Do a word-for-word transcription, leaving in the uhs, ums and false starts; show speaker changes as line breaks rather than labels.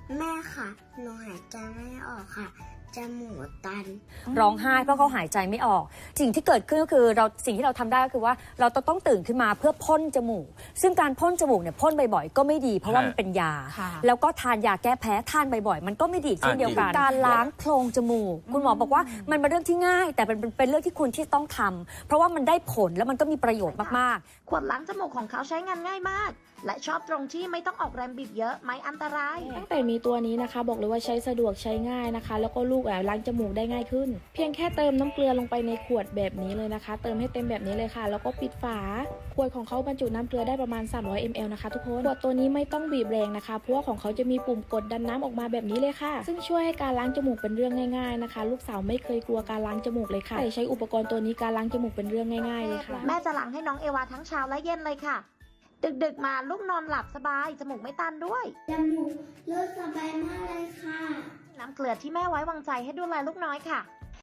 แม่ค่ะหนูหายใจไม่ออกค่ะจมูกตัน
ร้องไห้เพราะเขาหายใจไม่ออกสิ่งที่เกิดขึ้นก็คือเราสิ่งที่เราทำได้ก็คือว่าเราต้องตื่นขึ้นมาเพื่อพ่นจมูกซึ่งการพ่นจมูกเนี่ยพ่นบ่อยๆก็ไม่ดีเพราะว่ามันเป็นยาแล้วก็ทานยาแก้แพ้ทานบ่อยๆมันก็ไม่ดีเช่นเดียวกันการล้างโพรงจมูกคุณหมอบอกว่ามันเป็นเรื่องที่ง่ายแต่เป็นเป็นเรื่องที่คุณที่ต้องทำเพราะว่ามันได้ผลแล้วมันก็มีประโยชน์มาก
ๆขวดล้างจมูกของเขาใช้งานง่ายมากและชอบตรงที่ไม่ต้องออกแรงบีบเยอะไม่อันตราย
ตั้งแต่มีตัวนี้นะคะบอกเลยว่าใช้สะดวกใช้ง่ายนะคะแล้วก็ลูกล้างจมูกได้ง่ายขึ้นเพียงแค่เติมน้ำเกลือลงไปในขวดแบบนี้เลยนะคะเติมให้เต็มแบบนี้เลยค่ะแล้วก็ปิดฝาขวดของเขาบรรจุน้ำเกลือได้ประมาณสามร้อยมิลลิลิตรนะคะทุกคนขวดตัวนี้ไม่ต้องบีบแรงนะคะเพราะว่าของเขาจะมีปุ่มกดดันน้ำออกมาแบบนี้เลยค่ะซึ่งช่วยให้การล้างจมูกเป็นเรื่องง่ายๆนะคะลูกสาวไม่เคยกลัวการล้างจมูกเลยค่ะใช้อุปกรณ์ตัวนี้การล้างจมูกเป็นเรื่องง่ายๆเลยค่ะ
แม่จะล้างให้น้องเอวาทั้งเช้าและเย็นเลยค่ะดึกๆมาลูกนอนหลับสบายจมูกไม่ตันด้วย
จมูกรู้สบายมากเลยค่ะ
น้ำเกลือที่แม่ไว้วางใจให้ดูแลลูกน้อยค่ะ